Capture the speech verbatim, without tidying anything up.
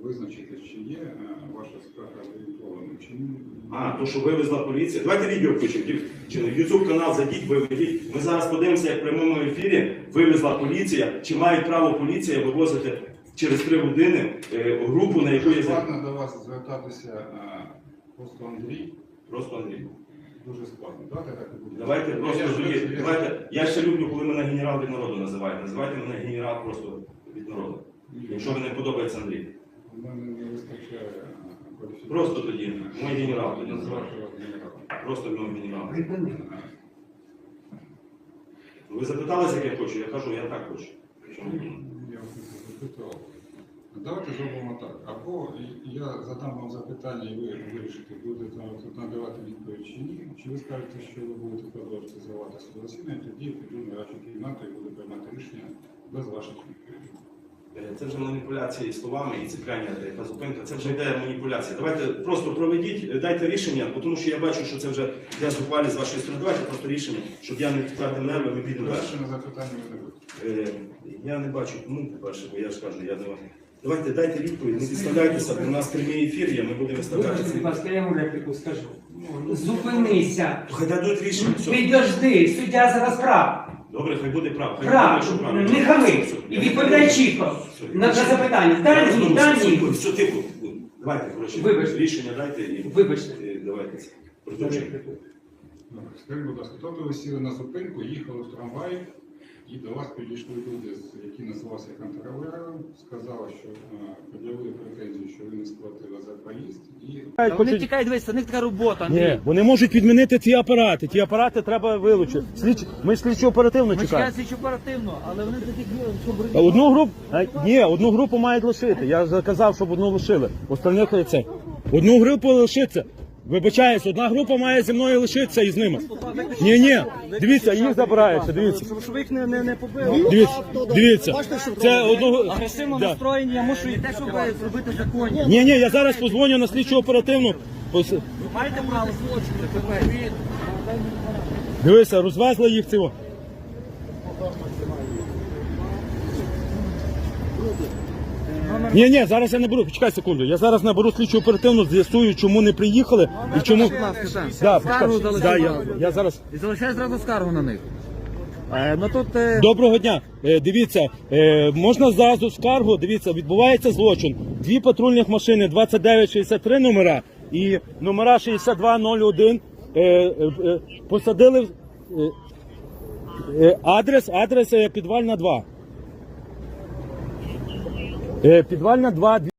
визначити, чи є е, ваша скарга зареєстрована, чи ні. А, то, що вивезла поліція. Давайте відео включимо. В ютуб канал зайдіть, виведіть. Ми зараз подивимося, як в прямому ефірі вивезла поліція, чи має право поліція вивозити через три години е, групу, на яку є... Складно до вас звертатися е, просто Андрій. Просто Андрій. Дуже складно. Давайте так і буде. Давайте просто Я тоді, ж- я- давайте, я ще люблю, коли мене генерал від народу називають. Називайте мене генерал просто від народу. Якщо мені не подобається Андрій. У мене не вистачає е, кваліфікації. Просто тоді, мій генерал тоді називайте. Назвати вас генералом. Просто мій генерал. Е, Ви запиталися, як я хочу? Я кажу, я так хочу. Чому? Я вас не запитував. Давайте зробимо так. Або я задам вам запитання, і ви вирішите, будете тут надавати відповідь чи ні. Чи ви скажете, що ви будете продовжувати зривати своє засідання, тоді піду на вашу кімнату і буду приймати рішення без ваших відповідей. Е, Це вже маніпуляції словами і цепляння та зупинка. Це вже йде маніпуляція. Давайте просто проведіть, дайте рішення, бо тому що я бачу, що це вже йде зухвалі з вашої сторони. Давайте просто рішення, щоб я не втратив нерви, ми підемо далі. Перше на запитання ви не будете. Е, Я не бачу, кому, по-перше, бо я ж кажу, я не вам. Давайте дайте відповідь, не підставляйтеся, бо у нас прямий ефір є, ми будемо виставляти. Вибачте, будь ласка, я йому репліку скажу. Зупинися. Хай дадуть рішення. Все. Підожди, суддя зараз прав. Добре, хай буде прав. Хай Прав. буде, що правильно. Не хами. Все, І я- відповідай чітко Все, на на запитання. Я Дай розумію, ні, дай все, ні. все, все, тихо. Давайте, коротше, Вибачте. рішення дайте і Вибачте. і давайте. Продовжуємо. Добре, скажіть, будь ласка, тобто ви сіли на зупинку, їхали в трамваї, і до вас підійшли люди, з- які називалися контролером, сказали, що е, пред'явили претензію, що ви не сплатили за проїзд, і Та Вони тікають, дивись, це них така робота, Андрій. Ні, вони можуть відмінити ці апарати. Ті апарати треба вилучити. Слідч... Ми слідчо оперативно Ми чекаємо. чекаємо слідчу оперативно, але вони таких щоб А Одну групу а, ні, одну групу мають лишити. Я заказав, щоб одну лишили. Остальних це. Одну групу лишиться. Вибачаюсь, одна група має зі мною лишитися і з ними. Ні, ні, дивіться, їх забираються. Дивіться, щоб їх не, не, не побили. дивіться, дивіться. Це одну. Агресивно Да. настроєні, я мушу і те, щоб зробити законні. Ні, ні, я зараз позвоню на слідчу оперативну. Ось, Ви маєте право злочину, тепер. дивися, розвезли їх цього. Ні, ні, зараз я наберу, почекай секунду. Я зараз наберу слідчу оперативну, з'ясую, чому не приїхали і чому. Да, Скаргу почекай. залишай. Да, я, я зараз. І залишай зразу скаргу на них. Е, ну тут... Е... Доброго дня. Е, дивіться, е, можна зразу скаргу. Дивіться, відбувається злочин. Дві патрульних машини, двадцять дев'ять шістдесят три номера і номера шістдесят два нуль один е, е, е, посадили в- е, е, адрес, адрес е, підвальна два. Е, підвальна два.